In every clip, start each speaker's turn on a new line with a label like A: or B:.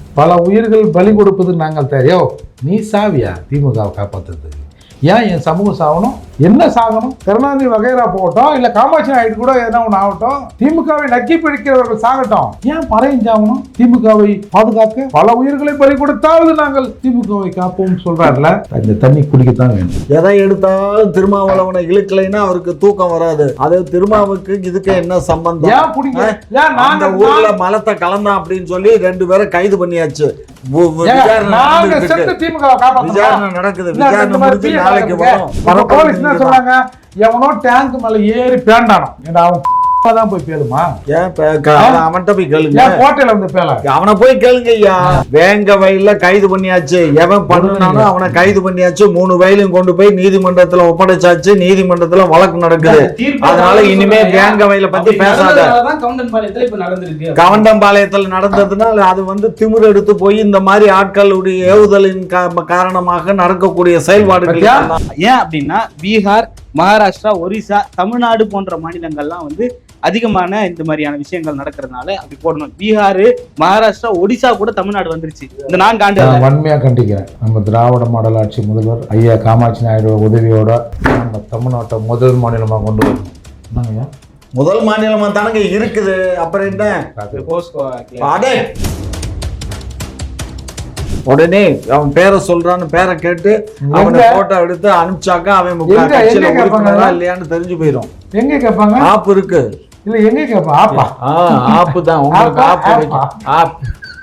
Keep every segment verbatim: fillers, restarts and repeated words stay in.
A: பல உயிர்கள் பலி கொடுப்பது நாங்கள் தெரியும். நீ சாவியா திமுகவை காப்பாற்றுறதுக்கு? ஏன் என் சமூகம் சாகணும்? என்ன சாகணும்? கருணாநிதி வகைரா போகட்டும், இல்ல காமாட்சி நாயுடு கூட எதனா ஒன்று ஆகட்டும், திமுகவை நக்கி பிடிக்கிறவர்கள் சாகட்டும். ஏன் பறையும் சாகணும்? திமுகவை பாதுகாக்க பல உயிர்களை பலி கொடுத்தாவது நாங்கள் திமுகவை காப்போம் சொல்றாருல, இந்த தண்ணி குடிக்கத்தான் வேணும்.
B: எதை எடுத்தாலும் திருமாவளவனை இழுக்கலைன்னா அவருக்கு தூக்கம் வராது. அது திருமாவுக்கு இதுக்கு என்ன சம்பந்தம்?
A: ஏன் பிடிக்க? ஏன்
B: அந்த ஊர்ல மலத்தை கலந்தான் அப்படின்னு சொல்லி ரெண்டு பேரை கைது பண்ணியாச்சு. விசாரணை நடக்குது. விசாரணை முடிஞ்சு நாளைக்கு வரும்.
A: போலீஸ் என்ன சொல்றாங்க? எவனோ டேங்க் மேல ஏறி பேண்டானோ, அவன் தான் போய் பேலுமா?
B: அவன்கிட்ட போய் கேளுங்க.
A: கோட்டையில வந்து பேல
B: அவனை போய் கேளுங்க ஐயா. வேங்க வயல்ல கைது பண்ணியாச்சு. எவன் பண்ணானோ அவனை கைது பண்ணியாச்சு. மூணு வயலையும் கொண்டு போய் நீதிமன்றத்துல ஒப்படைச்சாச்சு. நீதிமன்றத்துல வழக்கு நடக்குது. அதனால இனிமே வேங்க வயல பத்தி பேசாத. கவண்டம்பாளையத்துல நடந்ததுனால அது வந்து திமிர் எடுத்து போய் இந்த மாதிரி ஆட்களுடைய ஏவுதலின் காரணமாக நடக்கக்கூடிய செயல்பாடுகள்.
C: ஏன் அப்படின்னா பீகார், மகாராஷ்டிரா, ஒரிசா, தமிழ்நாடு போன்ற மாநிலங்கள்லாம் வந்து அதிகமான இந்த மாதிரியான விஷயங்கள் நடக்கிறதுனால அப்படி போடணும். பீகார், மகாராஷ்டிரா, ஒடிசா கூட தமிழ்நாடு வந்துருச்சு இந்த நான்கு ஆண்டு.
A: வன்மையா கண்டிக்கிறேன். நம்ம திராவிட மாடல் ஆட்சி முதல்வர் ஐயா காமாட்சி நாயுடு உதவியோட நம்ம தமிழ்நாட்டை முதல் மாநிலமா கொண்டு வரணும்.
B: முதல் மாநிலமா தானங்க இருக்குது. அப்புறம் என்ன? உடனே அவன் பேரை சொல்றான்னு பேரை கேட்டு அவனை போட்டோ எடுத்து அனுப்பிச்சாக்கா அவன் இல்லையான்னு தெரிஞ்சு போயிடும்.
A: எங்க கேட்பாங்க?
B: ஆப் இருக்கு.
A: இல்ல எங்க கேட்பா? ஆப்பா?
B: ஆப் தான் உங்களுக்கு. App app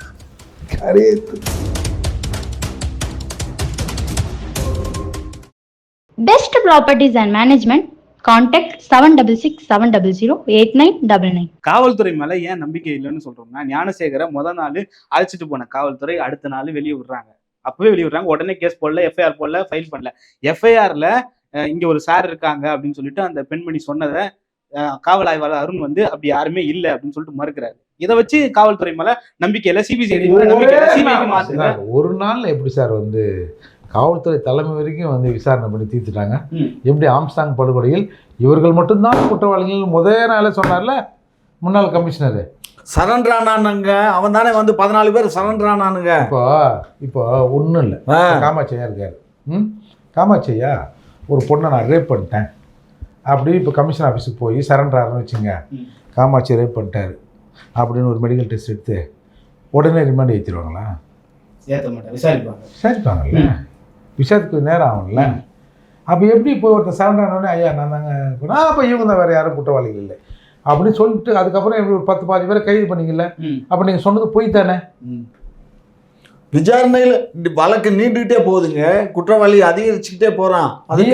D: Best Properties and Management. Contact seven six six seven zero zero eight nine nine nine.
C: காவல்துறை மேல ஏன் நம்பிக்கை இல்லைன்னு சொல்றோம்னா, ஞானசேகரை முத நாள் அழைச்சிட்டு போன காவல்துறை அடுத்த நாள் வெளியே விடுறாங்க. அப்பவே வெளியே விடுறாங்க. உடனே கேஸ் போடல, எஃப்ஐஆர் போடல, ஃபைல் பண்ணல. எஃப்ஐஆர்ல இங்க ஒரு சார் இருக்காங்க அப்படின்னு சொல்லிட்டு அந்த பெண்மணி சொன்னதை காவல் ஆய்வாளர் அருண் வந்து அப்படி யாருமே இல்லை அப்படின்னு சொல்லிட்டு மறுக்கிறாரு. இதை வச்சு காவல்துறை மேல நம்பிக்கை இல்லை, சிபிசிஐடி நம்பிக்கை.
A: ஒரு நாள்ல எப்படி சார் வந்து காவல்துறை தலைமை வரைக்கும் வந்து விசாரணை பண்ணி தீர்த்துட்டாங்க? எப்படி ஆம்ஸ்டாங் படுகொலையில் இவர்கள் மட்டும்தான் குற்றவாளிகள் முதல் நாளே சொன்னார்ல முன்னாள் கமிஷனர்.
B: சரண்டரானானுங்க. அவன் தானே வந்து பதினாலு பேர் சரண்டரானானுங்க.
A: இப்போ இப்போ ஒன்றும் இல்லை. காமாட்சியா இருக்காரு. ம் காமாட்சியா ஒரு பொண்ணை நான் ரேப் பண்ணிட்டேன் அப்படி இப்போ கமிஷன் ஆஃபீஸுக்கு போய் சரண்டரான்னு வச்சுங்க, காமாட்சி ரேப் பண்ணிட்டாரு அப்படின்னு ஒரு மெடிக்கல் டெஸ்ட் எடுத்து உடனே ரிமாண்ட் ஏற்றிடுவாங்களா?
C: ஏற்ற மாட்டேன், விசாரிப்பாங்க.
A: விசாரிப்பாங்கல்ல, விசாரத்துக்கு நேரம் ஆகும்ல. அப்போ எப்படி இப்போ ஒருத்தர் சரண்டரானோடனே ஐயா நான் தாங்க அப்போ இவங்க தான் வேறு யாரும் குற்றவாளிகள் இல்லை அப்படின்னு சொல்லிட்டு அதுக்கப்புறம் எப்படி ஒரு பத்து பாதி பேரை கைது பண்ணிக்கல? அப்போ நீங்கள் சொன்னது போய் தானே?
B: விசாரணையில் வழக்கு நீண்டுகிட்டே போகுதுங்க. குற்றவாளி அதிகரிச்சுக்கிட்டே போறான்.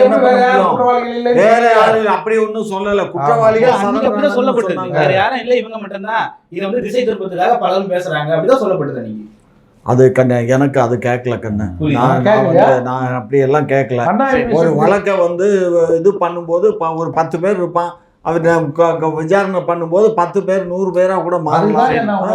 B: வேற யாரும் அப்படி ஒன்றும் சொல்லல. குற்றவாளிகள்
C: சொல்லப்பட்டது வேற யாரும் இல்லை, இவங்க மட்டும்தான். இதை வந்து திசை திருப்பத்துக்காக பலரும் பேசுறாங்க அப்படிதான் சொல்லப்பட்டது. நீங்க
B: அது கண்ணு எனக்கு அது கேட்கல கண்ணு. நான் நான் அப்படி எல்லாம் கேட்கல. ஒரு வழக்கை வந்து இது பண்ணும்போது ஒரு பத்து பேர் இருப்பான். அவர் விசாரணை பண்ணும்போது பத்து பேர் நூறு பேரா கூட மாறலாம்.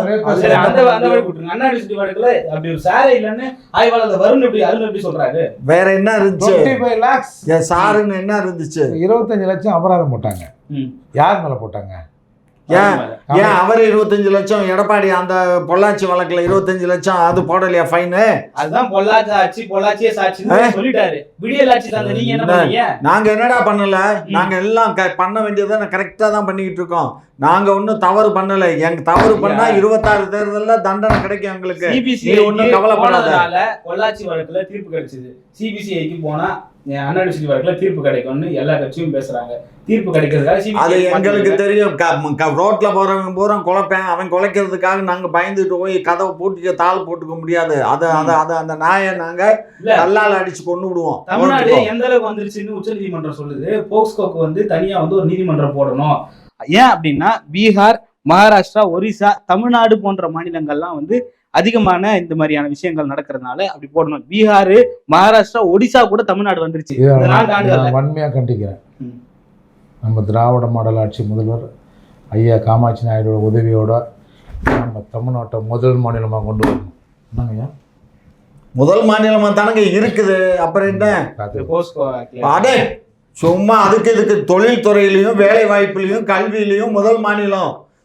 B: வேற என்ன இருந்துச்சு? என் சாருன்னு என்ன இருந்துச்சு?
A: இருபத்தஞ்சு லட்சம் அபராதம் போட்டாங்க. யார் மேல போட்டாங்க?
B: ஏன் ஏன் அவர் இருபத்தஞ்சு லட்சம் எடப்பாடி அந்த பொள்ளாச்சி வழக்குல இருபத்தஞ்சு லட்சம் அது போடலையா ஃபைனு?
C: அதுதான் பொள்ளாச்சி ஆட்சி, பொள்ளாச்சியே சாட்சி சொல்லிட்டாரு. விடியல் ஆட்சி தாங்க. நீங்க என்ன பண்ணீங்க?
B: நாங்க என்னடா பண்ணல, நாங்க எல்லாம் பண்ண வேண்டியதை கரெக்டா தான் பண்ணிக்கிட்டு இருக்கோம். நாங்க ஒன்னும் தவறு பண்ணல. எங்க தவறு பண்ணா இருபத்தாறு தேர்தல்ல தண்டனை கிடைக்கும் எங்களுக்கு.
C: சிபிசிஐ ஒன்னும் கவலைப்படாதனால பொள்ளாச்சி வழக்குல தீர்ப்பு கிடைச்சது. சிபிசிஐக்கு போனா அண்ணா யூனிவர்சிட்டி வழக்குல தீர்ப்பு கிடைக்கும்னு எல்லா கட்சியும் பேசுறாங்க. தீர்ப்பு கிடைக்கிறதுக்காக
B: அது எங்களுக்கு தெரியும். ரோட்ல போறவங்க போறோம் குழப்பேன், அவன் குலைக்கிறதுக்காக நாங்க பயந்துட்டு போய் கதவை போட்டு தாள் போட்டுக்க முடியாது. அது அது அது அந்த நாயை நாங்க கல்லால் அடிச்சு கொண்டு விடுவோம்.
C: தமிழ்நாடு எந்த அளவுக்கு வந்துருச்சுன்னு உச்ச நீதிமன்றம் சொல்லுது. போக்ஸ்கோக்கு வந்து தனியா வந்து ஒரு நீதிமன்றம் போடணும். ஏன் அப்படின்னா பீகார், மகாராஷ்டிரா, ஒரிசா, தமிழ்நாடு போன்ற மாநிலங்கள்லாம் வந்து அதிகமான இந்த மாதிரியான விஷயங்கள் நடக்கிறதுனால அப்படி போடணும். பீகார், மகாராஷ்டிரா, ஒடிசா கூட தமிழ்நாடு வந்துருச்சு.
A: வன்மையா கண்டிக்கிறேன். நம்ம திராவிட மாடல் ஆட்சி முதல்வர் ஐயா காமாட்சி நாயுடு உதவியோட நம்ம தமிழ்நாட்டை முதல் மாநிலமாக கொண்டு வரணும். என்னங்கய்யா
B: முதல் மாநிலமா தானங்க இருக்குது. அப்புறம் என்ன? அடே சும்மா அதுக்கு இதுக்கு தொழில் துறையிலையும் வேலை வாய்ப்புலையும் கல்வியிலையும் முதல் மாநிலம்.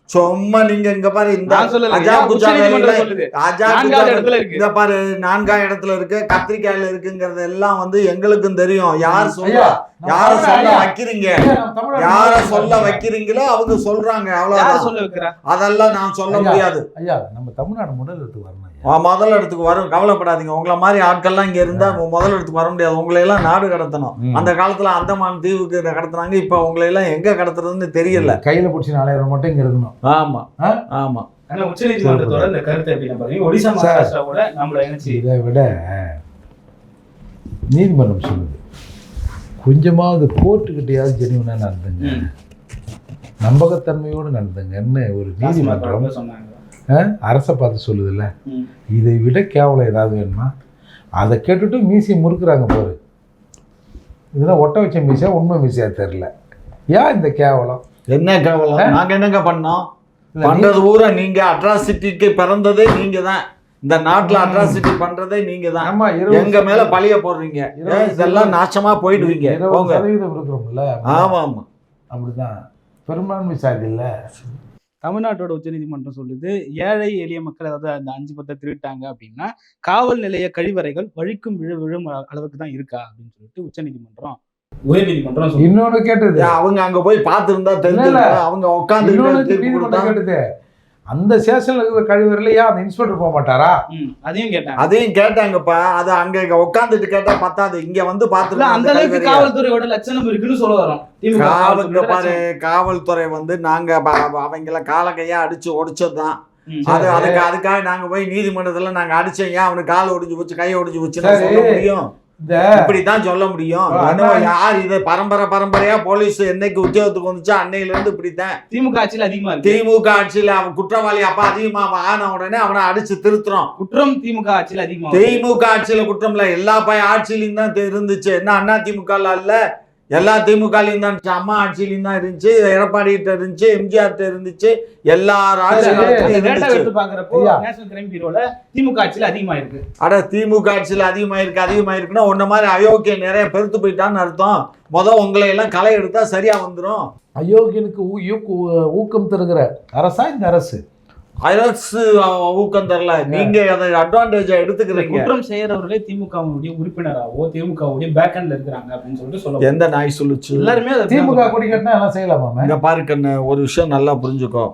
B: சும்மா நீங்க இங்க பாரு இந்த
C: நான் சொல்லல,
B: அஜா
C: ஏன்
B: குஜா
C: உச்சநீதிமன்றம்
B: வேலையில-
C: சொல்லுது?
B: அஜா
C: நான்காவது
B: குஜா
C: இடத்துல இருக்கு.
B: இந்த பாரு நான்காம் இடத்துல இருக்கு, கத்திரிக்காயில இருக்குங்கிறது எல்லாம் வந்து எங்களுக்கும் தெரியும். யார்
A: ஐயா,
B: சொல்றா,
A: நம்ம
B: யார
A: தமிழ்நாடு
B: சொல்ல
A: ஐயா,
B: வைக்கிறீங்க,
A: ஐயா, நம்ம தமிழ்நாடு
B: யார
A: முதல்வர்
B: சொல்ல
A: இருக்காங்க.
B: வைக்கிறீங்களோ அவங்க சொல்றாங்க,
C: யார்
B: அவ்வளவுதான்.
C: சொல்ல வைக்கிறா?
B: அதெல்லாம் நான் சொல்ல
A: ஐயா,
B: முடியாது.
A: ஐயா நம்ம தமிழ்நாடு முதலிடத்துக்கு வரணும் ஐயா.
B: ஆ, முதல் இடத்துக்கு வரும், கவலைப்படாதீங்க. உங்களை மாதிரி ஆட்கள்லாம் இங்க இருந்தா முதல் இடத்துக்கு வர முடியாது. உங்களை எல்லாம் நாடு கடத்தணும்.
A: ம்.
B: அந்த காலத்துல அந்தமான் தீவுக்கு கடத்துனாங்க, இப்ப உங்களை எல்லாம் எங்க கடத்துறதுன்னு தெரியல.
A: கையில பிடிச்சி நாளையரை மட்டும் இங்க இருக்கணும்.
B: ஆமா
A: ஆ?
B: ஆமா.
C: ஆனா உச்சநீதிமன்றத்தோட இந்த கருத்தை எப்படி பாருங்க, ஒடிசா
A: சார்.
C: மகாராஷ்டிராவோட நம்மள இணைச்சு
A: இதை விட நீதிமன்றம் சொல்லுது, கொஞ்சமாவது கோர்ட்டுக்கிட்டையாவது ஜெனிவனா நடந்துங்க,
C: ம்.
A: நம்பகத்தன்மையோடு நடந்துங்கன்னு ஒரு நீதிமன்றம்
C: சொன்னாங்க.
A: ஆ, அரசை பார்த்து சொல்லுதுல்ல.
C: ம்.
A: இதை விட கேவலம் ஏதாவது வேணுமா? அதை கேட்டுட்டு மீசியை முறுக்குறாங்க பாரு. இதெல்லாம் ஒட்ட வச்ச மீசையா உண்மை மீசையா தெரியல. ஏன் இந்த கேவலம்?
B: என்ன கேவலம்? நாங்க என்னங்க பண்ணோம்?
A: இல்ல,
B: பண்றது ஊரா நீங்க. அட்ராசிட்டிக்கு பிறந்ததே நீங்க தான். இந்த நாட்டுல அட்ராசிட்டி பண்றதே நீங்க தான்.
A: ஆமா, இருபது
B: எங்க மேல பழிய போடுறீங்க.
A: இருபது
B: ஏன் இதெல்லாம் நாசமா போயிடுவீங்க.
A: இருபது
B: போங்க.
A: சதவீதம் இருக்கிறோம்ல.
B: ஆமா ஆமா.
A: அப்படிதான் பெரும்பான்மை சாதி இல்ல.
C: தமிழ்நாட்டோட உச்சநீதிமன்றம் சொல்லுது, ஏழை எளிய மக்கள் அதாவது அந்த அஞ்சு பத்தை திருட்டாங்க அப்படின்னா காவல் நிலைய கழிவறைகள் வழிக்கும் விழு விழும் அளவுக்கு தான் இருக்கா அப்படின்னு சொல்லிட்டு உச்சநீதிமன்றம் உயர்நீதிமன்றம் சொல்லுது.
A: இன்னொன்னு கேட்டது,
B: ஏன் அவங்க அங்க போய் பார்த்திருந்தா
A: இல்ல,
B: தெரிஞ்சு
A: இல்ல.
B: அவங்க உட்காந்து
A: இன்னொன்னு
B: தீர்ப்பு
A: நீதிமன்றம்
B: கொடுத்தா
A: கேட்டது, அந்த ஸ்டேஷன்ல இருக்கிற கழிவறையில ஏன் அந்த இன்ஸ்பெக்டர் போக மாட்டாரா?
C: ம், அதையும் கேட்டாங்க.
B: அதையும் கேட்டாங்கப்பா. அது அங்க உட்காந்துட்டு கேட்டா பத்தாது, இங்க வந்து
C: இல்ல, அந்த அளவுக்கு
B: பார்த்து
C: காவல்துறையோட லட்சணம் இருக்குன்னு சொல்ல வரோம். திமுக
B: காவலுக்கு
C: காவல்துறையோட
B: பாரு,
C: லட்சணம்.
B: காவல்துறை வந்து நாங்க ப- ப- அவங்கள காலக்கையா அடிச்சு ஒடிச்சதுதான்.
C: ம்.
B: அது அதுக்கு அதுக்காக நாங்க போய் நீதிமன்றத்துல நாங்க அடிச்சோம், ஏன் அவனுக்கு கால் ஒடிஞ்சு போச்சு, கை ஒடிஞ்சு போச்சுன்னு
A: சரி.
B: சொல்ல முடியும்?
A: இந்த
B: இப்படித்தான் சொல்ல முடியும்.
A: ஆ,
B: என்னவோ
A: அதான்.
B: யார் இது பரம்பரை பரம்பரையா போலீஸ் என்னைக்கு உத்தியோகத்துக்கு வந்துச்சா அன்னையில இருந்து இப்படித்தான்.
C: திமுக ஆட்சியில் அதிகமா இருக்கு.
B: திமுக ஆட்சியில அவன் குற்றவாளி அப்ப அதிகமா ஆன உடனே அவனை அடிச்சு திருத்துறோம்.
C: குற்றம் திமுக ஆட்சியில் அதிகமா இருக்கு.
B: திமுக ஆட்சியில குற்றம் இல்ல, எல்லா பய ஆட்சியிலும் தான் தெ- இருந்துச்சு. என்ன அண்ணா திமுக இல்ல, எல்லா திமுகலையும் தான் இருந்துச்சு. அம்மா ஆட்சியிலையும் தான் இருந்துச்சு, எடப்பாடி கிட்ட இருந்துச்சு, எம்ஜிஆர் கிட்ட இருந்துச்சு, எல்லா ஆட்சி
A: சரி,
B: காலத்துலயும்
C: அந்த டேட்டா
B: இருந்துச்சு.
C: எடுத்து பாக்குறப்போ
A: ஐயா.
C: நேஷனல் கிரைம் பியூரோல திமுக ஆட்சியில் அதிகமா இருக்கு.
B: அட திமுக ஆட்சியில அதிகமா இருக்கு அதிகமா இருக்குன்னா உன்ன மாதிரி அயோக்கிய நிறைய பெருத்து போயிட்டான்னு அர்த்தம். முத உங்களை எல்லாம் களை எடுத்தா சரியா வந்துரும்.
A: அயோக்கியனுக்கு ஊ- ஊக்கு- ஊக்கம் தருகிற அரசா இந்த அரசு?
B: அரசு ஊக்கம் தரல, நீங்க அதை அட்வான்டேஜா எடுத்துக்கிறீங்க.
C: குற்றம் செய்யறவர்களே திமுகவுடைய உறுப்பினராவோ திமுகவுடைய பேக்ஹண்ட்ல இருக்கிறாங்க அப்படின்னு சொல்லிட்டு சொல்ல
B: எந்த நாய் சொல்லுச்சு?
C: எல்லாருமே அதை
A: திமுக கொடி கட்டினா எல்லாம் செய்யலாமா?
B: இங்க பாரு கண்ணு, ஒரு விஷயம் நல்லா புரிஞ்சுக்கோ.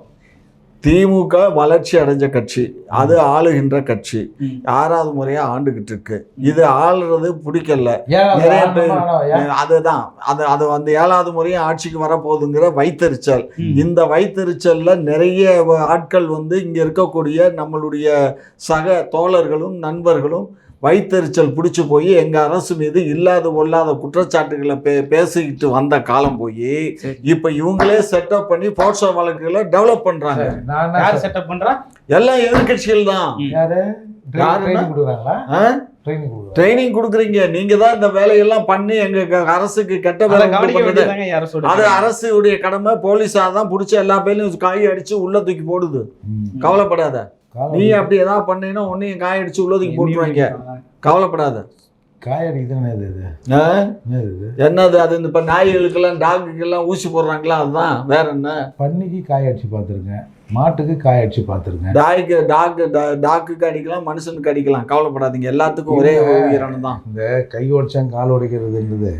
B: திமுக வளர்ச்சி அடைஞ்ச கட்சி, அது ஆளுகின்ற கட்சி,
C: ம்.
B: ஆறாவது முறையா ஆண்டுகிட்டு இருக்கு. இது ஆளுறது பிடிக்கல
A: ஏன் அது
B: நிறைய
A: ஆண்டவனா
B: பேர்.
A: ஆனவன்? ஏன்?
B: அதுதான் அது அது அந்த ஏழாவது முறையும் ஆட்சிக்கு வரப்போகுதுங்கிற வைத்தறிச்சல்.
C: ம்.
B: இந்த வைத்தறிச்சல்ல நிறைய வ- ஆட்கள் வந்து இங்க இருக்கக்கூடிய நம்மளுடைய சக தோழர்களும் நண்பர்களும் வைத்தறிச்சல் பிடிச்சி போய் எங்க அரசு மீது இல்லாத ஒல்லாத குற்றச்சாட்டுகளை பே பேசிக்கிட்டு வந்த காலம் போய்
C: சரி.
B: இப்ப இவங்களே செட்டப் பண்ணி போர்ஷோ வழக்குகளை டெவலப் பண்றாங்க.
A: சரி, நான் என்ன
C: யார்
A: சொல்றேன்?
C: செட்டப் பண்றா?
B: எல்லாம் எதிர்கட்சிகள் தான்.
C: ம்.
A: யாரு
B: யாருன்னா?
A: ட்ரைனிங் கொடுக்குறாங்களா? ட்ரைனிங் கொடுக்குறாங்க.
B: ட்ரைனிங் கொடுக்குறீங்க, நீங்க தான் இந்த வேலையெல்லாம் பண்ணி எங்க க- அரசுக்கு கெட்ட
C: அதை
B: வேலை உண்டு
C: கவனிக்க
B: பண்ணுது.
C: வேண்டியதாங்க யார சொல்றது?
B: அது அரசுடைய கடமை. போலீஸா தான் பிடிச்சி எல்லா பேர்லையும் காய் அடிச்சு உள்ள தூக்கி போடுது.
A: ம்.
B: கவலைப்படாத.
A: காலம்
B: நீ அப்படி ஏதாவது பண்ணீங்கன்னா உன்னையும் காய் அடிச்சு உள்ள தூக்கி போட்டுருவாங்க. கவலைப்படாத.
A: காய் அடிக்குது. என்னது இது?
B: ஆ?
A: என்னது இது?
B: என்னது அது? இந்த இப்ப நாய்களுக்கெல்லாம் டாகுக்கெல்லாம் ஊசி போடுறாங்களா? அதுதான், வேற என்ன?
A: பன்னிக்கு காய் அடிச்சு பார்த்துருக்கேன், மாட்டுக்கு காய் அடிச்சு பார்த்துருக்கேன்.
B: டாய்க்கு டாக் டாக்குக்கு அடிக்கலாம், மனுஷனுக்கு அடிக்கலாம். கவலைப்படாதீங்க, எல்லாத்துக்கும் ஒரே உயிரானது தான்.
A: இந்த கை உடைச்சேன் கால் உடைக்கிறதுன்றது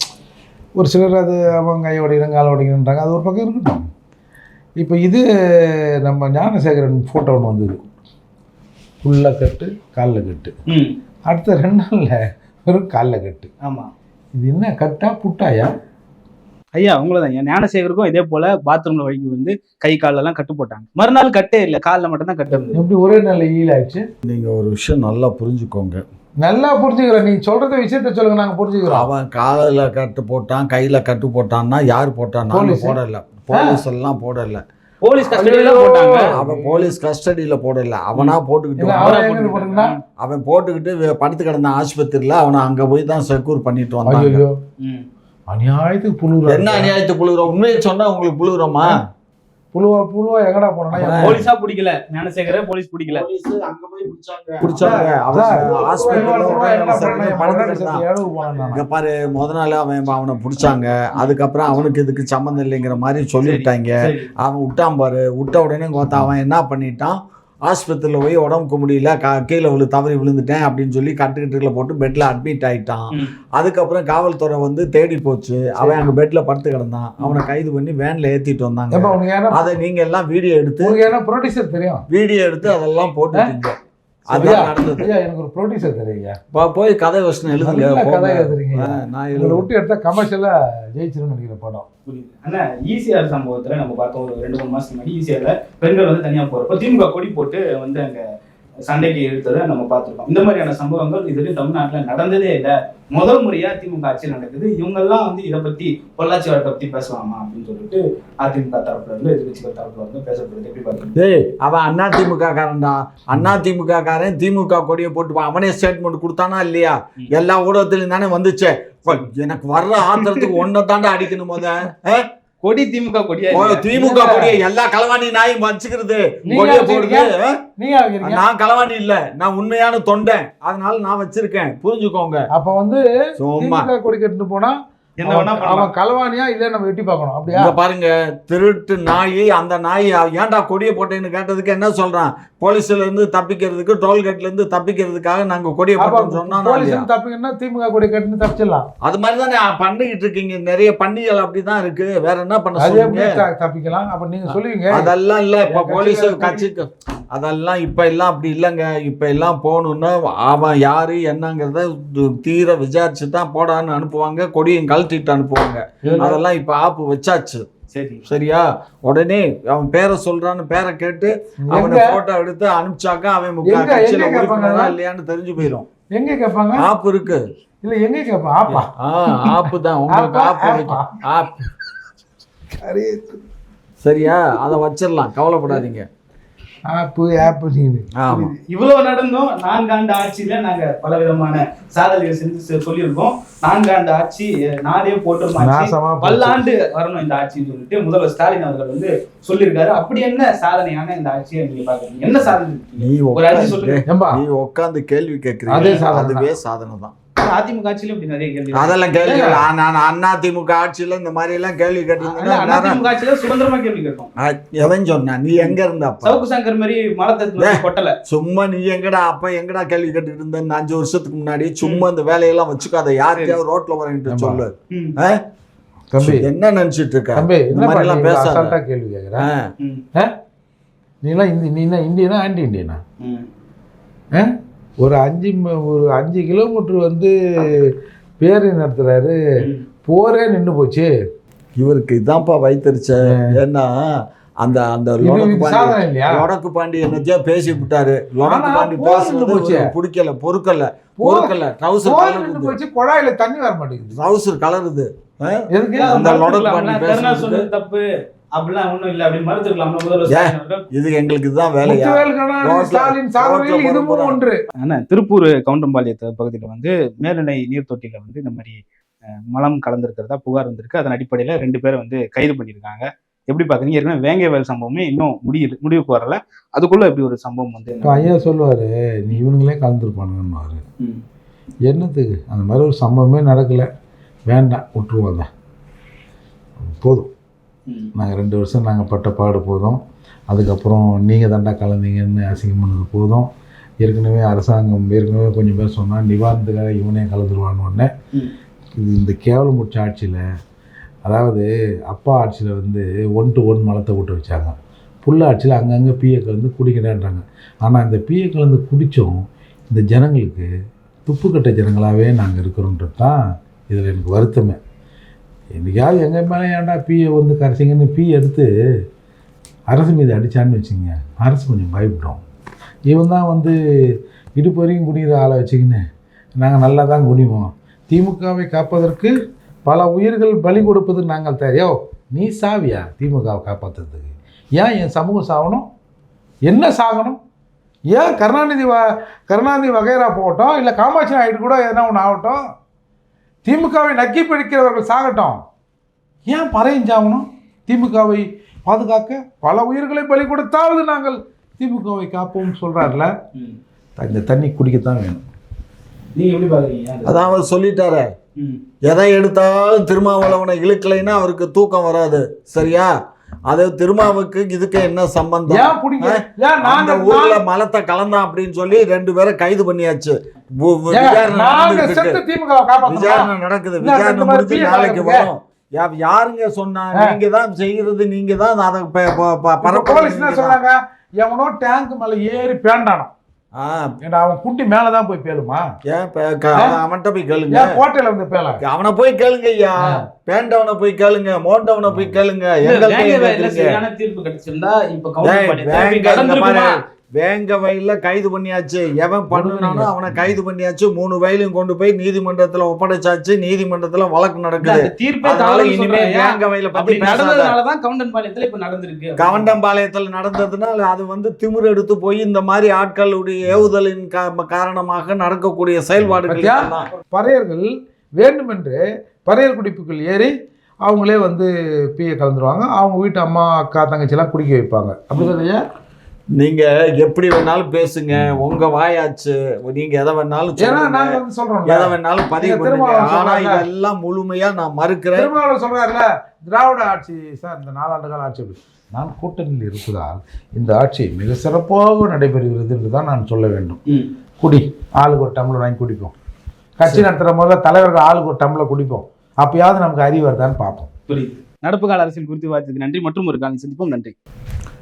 A: ஒரு சிலர் அது அவங்க கை உடைக்கிறேன் கால் உடைக்கிறேன்றாங்க, அது ஒரு பக்கம் இருக்கட்டும். இப்போ இது நம்ம ஞானசேகரன் ஃபோட்டோ ஒன்று வந்தது, ஃபுல்லாக கட்டு காலில் கட்டு,
C: ம்.
A: அடுத்த ரெண்டு நாளில் வெறும் காலில் கட்டு.
C: ஆமா
A: இது என்ன கட்டா புட்டாயா?
C: ஐயா உங்களதான் ஞானசேகருக்கும் இதே போல பாத்ரூம்ல வழிக்கு வந்து கை கால எல்லாம் கட்டு போட்டாங்க. மறுநாள் கட்டே இல்லை, காலில் மட்டும் தான் கட்டு இருந்தது.
A: எப்படி ஒரே நாளில் ஈல் ஆயிடுச்சு?
B: நீங்க ஒரு விஷயம் நல்லா புரிஞ்சுக்கோங்க.
A: நல்லா புரிஞ்சுக்கிறேன், நீ சொல்கிறத விஷயத்த சொல்லுங்க, நாங்கள் புரிஞ்சுக்கிறோம்.
B: அவன் காலில் கட்டு போட்டான், கையில கட்டு போட்டான்னா யார் போட்டான்? நாங்க
A: போலீஸ்.
B: போடல, போலீஸ் எல்லாம் போடல.
C: போலீஸ் கஸ்டடியில போட்டாங்க.
B: அவன் போலீஸ் கஸ்டடியில போடல, அவனா போட்டுக்கிட்டு
A: இல்ல,
B: வந்தான்.
A: அவன் எங்க போட்டுருந்தா?
B: அவன் போட்டுக்கிட்டு வே- படுத்து கிடந்த ஆஸ்பத்திரியில அவனை அங்க போய் தான் செக்யூர் பண்ணிட்டு வந்தாங்க.
A: ஐயோ
C: ம்.
A: அநியாயத்துக்கு புழுகுற.
B: என்ன அநியாயத்துக்கு புழுகுறோம்? உண்மையை சொன்னா உங்களுக்கு புழுகுறோமா?
A: புழுவா புழுவா எங்கடா போனா
C: போலீஸா பிடிக்கல, ஞானசேகர போலீஸ் பிடிக்கல,
B: அங்க போய் பிடிச்சாங்க பிடிச்சாங்க அவன் ஹாஸ்பிட்டல்ல இங்க பாரு. முத நாள் அவன் அவனை பிடிச்சாங்க, அதுக்கப்புறம் அவனுக்கு இதுக்கு சம்மந்தம் இல்லைங்கிற மாதிரி சொல்லிவிட்டாங்க. அவன் விட்டான் பாரு. விட்ட உடனே கோத்தா அவன் என்ன பண்ணிட்டான், ஆஸ்பத்திரியில் போய் உடம்புக்கு முடியல, கா கீழே விழு தவறி விழுந்துட்டேன் அப்படின்னு சொல்லி கட்டுக்கட்டுல போட்டு பெட்டில் அட்மிட் ஆகிட்டான். அதுக்கப்புறம் காவல்துறை வந்து தேடி போச்சு. அவன் அங்கே பெட்டில் படுத்து கிடந்தான். அவனை கைது பண்ணி வேனில் ஏற்றிட்டு வந்தாங்க. அதை நீங்கள் எல்லாம் வீடியோ எடுத்து
A: ப்ரொடியூசர் தெரியும்,
B: வீடியோ எடுத்து அதெல்லாம் போட்டுட்டீங்க. அதான் நடந்தது.
A: எனக்கு ஒரு ப்ரொடியூசர் தெரியுங்க,
B: போய் கதை வசனம் எழுதுங்க.
A: கதை எழுதுறீங்க, நான் இதில் விட்டு எடுத்தா கமர்ஷியலா ஜெயிச்சிருன்னு நினைக்கிற படம்.
C: ஆனா ஈசிஆர் சம்பவத்துல நம்ம பார்த்தோம், ஒரு ரெண்டு மூணு மாசத்துக்கு முன்னாடி ஈசிஆர்ல பெண்கள் வந்து தனியா போறப்ப திமுக கொடி போட்டு வந்து அங்க சண்டைக்கு எடுத்ததை நம்ம பார்த்துருக்கோம். இந்த மாதிரியான சம்பவங்கள் இதுவரையும் தமிழ்நாட்டில் நடந்ததே இல்லை. முதல் முறையா திமுக ஆட்சி நடக்குது. இவங்கெல்லாம் வந்து இதை பத்தி பொள்ளாச்சி வழக்கை பத்தி பேசலாமா அப்படின்னு சொல்லிட்டு அதிமுக தரப்புல இருந்து எதிர்கட்சிகள் தரப்புல இருந்து பேசப்படுது. எப்படி பாருங்க,
B: ஏய் அவன் அண்ணா திமுக காரன்டா. அண்ணா திமுக காரன் திமுக கொடியை போட்டு அவனே ஸ்டேட்மெண்ட் கொடுத்தானா இல்லையா? எல்லா ஊடகத்திலையும் தானே வந்துச்சே. எனக்கு வர்ற ஆத்திரத்துக்கு ஒன்ன தாண்டா அடிக்கணும். போத
C: கொடி திமுக கொடியா,
B: திமுக கொடியை எல்லா களவாணி நாயும் வச்சுக்கிறது கொடியை போடுது. நான் களவாணி இல்ல, நான் உண்மையான தொண்டன், அதனால நான் வச்சிருக்கேன், புரிஞ்சுக்கோங்க.
A: அப்ப வந்து திமுக கொடி கட்டுன்னு போனா அவன் களவானியா இல்ல நம்ம வெட்டி பார்க்கணும். அப்படியா
B: பாருங்க, திருட்டு நாய். அந்த நாய் ஏன்டா கொடியை போட்டேன்னு கேட்டதுக்கு என்ன சொல்றான், போலீஸ்ல இருந்து தப்பிக்கிறதுக்கு, டோல்கேட்ல இருந்து தப்பிக்கிறதுக்காக நாங்க கொடியை போட்டோம்னு சொன்னா
A: தப்பிக்கணும்னா திமுக கொடி கட்டுன்னு தப்பிச்சிடலாம்.
B: அது மாதிரிதானே பண்ணிக்கிட்டு இருக்கீங்க. நிறைய பண்டிகைகள் அப்படிதான் இருக்கு. வேற என்ன பண்ண
A: தப்பிக்கலாம்? அப்ப நீங்க சொல்லுவீங்க
B: அதெல்லாம் இல்ல. இப்ப போலீஸ் கட்சிக்கு அதெல்லாம் இப்ப எல்லாம் அப்படி இல்லைங்க. இப்ப எல்லாம் போகணும்னா அவன் யாரு என்னங்கிறத தீர விசாரிச்சு தான் போடான்னு அனுப்புவாங்க, கொடியும் கழட்டிட்டு அனுப்புவாங்க. அதெல்லாம் இப்ப ஆப்பு வச்சாச்சு.
C: சரி
B: சரியா? உடனே அவன் பேரை சொல்றான்னு பேரை கேட்டு அவனை போட்டோ எடுத்து அனுப்பிச்சாக்க அவன் கட்சியில உறுப்பினரா இல்லையான்னு தெரிஞ்சு போயிடும்.
A: எங்க கேட்பாங்க?
B: ஆப்பு இருக்கு.
A: இல்ல எங்க கேட்பா? ஆப்பா?
B: ஆப்பு தான் உங்களுக்கு. ஆப்பு ஆப் சரியா? அதை வச்சிடலாம், கவலைப்படாதீங்க.
A: ஆப்பு ஆப்பு
C: இவ்வளவு நடந்தோம். நான்காண்டு ஆட்சியில நாங்க பல விதமான சாதனைகள் செஞ்சு சொல்லியிருக்கோம். நான்காண்டு ஆட்சி நாடே போட்டு பல்லாண்டு வரணும் இந்த ஆட்சின்னு சொல்லிட்டு முதல்வர் ஸ்டாலின் அவர்கள் வந்து சொல்லியிருக்காரு. அப்படி என்ன சாதனையான இந்த ஆட்சியை நீங்க பாக்குறீங்க? என்ன சாதனை?
B: நீ நீ உட்காந்து கேள்வி கேட்கறீங்க, அதுவே சாதனை தான்.
C: அதிமுக ஆட்சியில இப்படி நிறைய கேள்வி,
B: அதெல்லாம் கேள்வி. அண்ணா திமுக ஆட்சியில இந்த மாதிரி எல்லாம் கேள்வி கேட்டீங்கன்னா
C: அதிமுக ஆட்சியில சுதந்திரமா கேள்வி கேட்கும்.
B: எவன் சொன்னா? நீ எங்க இருந்த?
C: சவுக்கு சங்கர் மாதிரி மலத்தை கொட்டல.
B: சும்மா நீ எங்கடா அப்ப எங்கடா கேள்வி கேட்டுட்டு இருந்த? இந்த அஞ்சு வருஷத்துக்கு முன்னாடி சும்மா இந்த வேலையெல்லாம் வச்சுக்காத. யாருக்கையாவது ரோட்ல வரங்கிட்டு சொல்லு.
A: தம்பி
B: என்ன நினைச்சிட்டு இருக்க?
A: இந்த மாதிரி எல்லாம் பேசாத கேள்வி கேக்குறேன். நீ எல்லாம் நீ இந்தியனா ஆன்டி இந்தியனா? ஒரு அஞ்சு ஒரு அஞ்சு கிலோமீட்டர் வந்து பேர் நடத்துறாரு, போரே நின்று போச்சு.
B: இவருக்கு இதான்ப்பா வைத்தறிச்ச. ஏன்னா அந்த அந்த லொடக்கு பாண்டி என்னச்சோ பேசி விட்டாரு. லொடக்கு பாண்டி பேசுறது பிடிக்கல, பொறுக்கல பொறுக்கல. ட்ரவுசர்
A: போச்சு, குழாயில தண்ணி வர மாட்டேங்குது,
B: ட்ரவுசர் கலருது.
C: அந்த லொடக்கு பாண்டி பேசுறது தப்பு அப்படிலாம் ஒண்ணும் இல்ல, அப்படி மறுத்துக்கலாம் முதல்வர்.
B: இது எங்களுக்கு இதுதான் வேலையா?
C: ஆனா திருப்பூர் கவுண்டம்பாளையத்து பகுதியில வந்து மேல்நிலை நீர் தொட்டியில வந்து இந்த மாதிரி மலம் கலந்துருக்கிறதா புகார் வந்திருக்கு. அதன் அடிப்படையில ரெண்டு பேரை வந்து கைது பண்ணியிருக்காங்க. எப்படி பாக்குறீங்க? ஏற்கனவே வேங்கைவயல் சம்பவமே இன்னும் முடியல, முடிவுக்கு வரல. அதுக்குள்ள இப்படி ஒரு சம்பவம் வந்து
A: ஐயா சொல்லுவாரு, நீ இவனுங்களே கலந்துருப்பானுங்கன்னு. என்னத்துக்கு அந்த மாதிரி ஒரு சம்பவமே நடக்கல, வேண்டாம் விட்டுருவோம் தான், போதும். நாங்கள் ரெண்டு வருஷம் நாங்கள் பட்ட பாடு போதும். அதுக்கப்புறம் நீங்கள் தாண்டா கலந்தீங்கன்னு அசிங்கம் பண்ணது போதும். ஏற்கனவே அரசாங்கம் ஏற்கனவே கொஞ்சம் பேர் சொன்னால் நிவாரணத்துக்காக இவனே கலந்துருவான்னு உடனே இது இந்த கேவலம் முடிச்ச ஆட்சியில், அதாவது அப்பா ஆட்சியில் வந்து ஒன் டு ஒன் மலத்தை விட்டு வச்சாங்க. புள்ள ஆட்சியில் அங்கங்கே பிஏ கலந்து குடிக்கிறேன்றாங்க. ஆனால் இந்த பிஏ கலந்து குடித்தோம் இந்த ஜனங்களுக்கு துப்புக்கட்ட ஜனங்களாகவே நாங்கள் இருக்கிறோன்றது தான் இதில் எனக்கு வருத்தமே. என்றைக்காவது எங்கள் மேலே ஏன்டா பிஏ வந்து கரைச்சிங்கன்னு பி எடுத்து அரசு மீது அடித்தான்னு வச்சுங்க, அரசு கொஞ்சம் பயப்படும். இவன் தான் வந்து இடுப்பு வரைக்கும் குடிக்கிற ஆளை வச்சுக்கின்னு நாங்கள் நல்லா தான் குடிவோம், திமுகவை காப்பதற்கு பல உயிர்கள் பலி கொடுப்பது நாங்கள் தெரியா. நீ சாவியா திமுகவை காப்பாற்றுறதுக்கு? ஏன் என் சமூகம் சாகணும்? என்ன சாகணும்? ஏன் கருணாநிதி வ கருணாநிதி வகைரா போகட்டும், இல்லை காமாட்சி நாயுடு கூட எதனா ஒன்று ஆகட்டும், திமுகவை நக்கி பிடிக்கிறவர்கள் சாகட்டும், ஏன் பறையஞ்சாகணும்? திமுகவை பாதுகாக்க பல உயிர்களை பலி கொடுத்தாவது நாங்கள் திமுகவை காப்போம் சொல்றாருல, இந்த தண்ணி குடிக்கத்தான் வேணும்.
C: நீங்க எப்படி பாக்குறீங்க?
B: அதான் அவர் சொல்லிட்டாரே, எதை எடுத்தாலும் திருமாவளவனை இழுக்கலைன்னா அவருக்கு தூக்கம் வராது. சரியா? அது திருமாவுக்கு இதுக்கு என்ன சம்பந்தம்?
A: ஏன் பிடிக்கல? ஏன்
B: அந்த
A: நாங்க
B: ஊர்ல மலத்தை கலந்தான் அப்படின்னு சொல்லி ரெண்டு பேரை கைது பண்ணியாச்சு. வு- வு-
A: ஏங்க,
B: விசாரணை
A: நாங்க
B: நடந்துகிட்டு
A: செத்து
B: இருக்கு.
A: திமுகவை காப்பாத்தணும்.
B: விசாரணை நடக்குது.
A: இல்ல,
B: விசாரணை
A: இந்த மாதிரி
B: முடிஞ்சு
A: பீய
B: நாளைக்கு
A: காட்டுங்க.
B: வரும். யா- யாருங்க சொன்னா? நீங்க தான் செய்யறது, நீங்க தான் அதை ப- ப- ப-
A: இப்ப
B: பரப்புறது
A: போலீஸ் என்ன
B: நீங்க தான்.
A: சொல்றாங்க? எவனோ டேங்க் மேல ஏறி பேண்டானோ,
B: ஆ,
A: ஏன்னா அவன் குண்டி மேலதான் போய் பேலுமா?
B: ஏன் ப- க- அவன் அவன்கிட்ட போய் கேளுங்க.
A: ஏன் கோட்டையில வந்து பேல?
B: அவனை போய் கேளுங்க ஐயா. பேண்டவனை போய் கேளுங்க, மோண்டவனை போய் கேளுங்க. எங்கள்கிட்ட ஏன் கேக்குறீங்க?
C: சரியான தீர்ப்பு கிடைச்சிருந்தா இப்ப
B: டேய்,
C: கவுண்டர் பண்ணி
B: வேங்க இங்க
C: கடந்திருக்குமா?
B: பாரு. வேங்க வயல்ல கைது பண்ணியாச்சு. எவன் பண்ணுனாலும் அவனை கைது பண்ணியாச்சு. மூணு வயலையும் கொண்டு போய் நீதிமன்றத்துல ஒப்படைச்சாச்சு. நீதிமன்றத்துல வழக்கு நடக்குது.
C: அந்த தீர்ப்பே
B: அதனால
C: தவறுன்னு
B: இனிமே
C: சொல்றாங்க.
B: வேங்க வயல பத்தி
C: அப்படி
B: பேசாத.
C: நடந்ததுனாலதான் கவுண்டன்பாளையத்துல இப்ப நடந்திருக்கு.
B: கவண்டம்பாளையத்துல நடந்ததுனால அது வந்து திமிர் எடுத்து போய் இந்த மாதிரி ஆட்களுடைய ஏவுதலின் கா- காரணமாக நடக்கக்கூடிய செயல்பாடுகள்
A: பத்தியா?
B: இதெல்லாம்.
A: பறையர்கள் வேண்டுமென்று பறையர் குடிப்புகள் ஏறி அவங்களே வந்து பீயை கலந்துருவாங்க. அவங்க வீட்டு அம்மா அக்கா தங்கச்சிலாம் குடிக்க வைப்பாங்க. அப்படிதானே?
B: நீங்க எப்படி வேணாலும் பேசுங்க, உங்க வாயாச்சு. நீங்க எதை வேணாலும்
A: ஏன்னா
B: சொல்லுங்க.
A: நாங்க வந்து சொல்றோம்,
B: எதை வேணாலும் பதிவு
A: நீங்க
B: பண்ணுங்க.
A: திருமாவளவன்
B: ஆனா
A: சொல்றாங்க.
B: இதெல்லாம் முழுமையா நான் மறுக்கிறேன்.
A: திருமாவளவன் சொல்றாருல, திராவிட ஆட்சி சார் இந்த நாலாண்டு கால ஆட்சி அப்படி. நான் கூட்டணியில் இருப்பதால் இந்த ஆட்சி மிக சிறப்பாக நடைபெறுகிறது என்று தான் நான் சொல்ல வேண்டும். குடி, ஆளுக்கு ஒரு டம்ளர் வாங்கி குடிப்போம். கட்சி நடத்துகிற முதல்ல தலைவர்கள் ஆளுக்கு ஒரு டம்ளர் குடிப்போம். அப்பயாவது நமக்கு அறிவு வருதான்னு பார்ப்போம்.
C: புரியுது. நடப்பு கால அரசியல் குறித்து வார்த்தைக்கு நன்றி. மற்றும் ஒரு காலம் சந்திப்போம். நன்றி.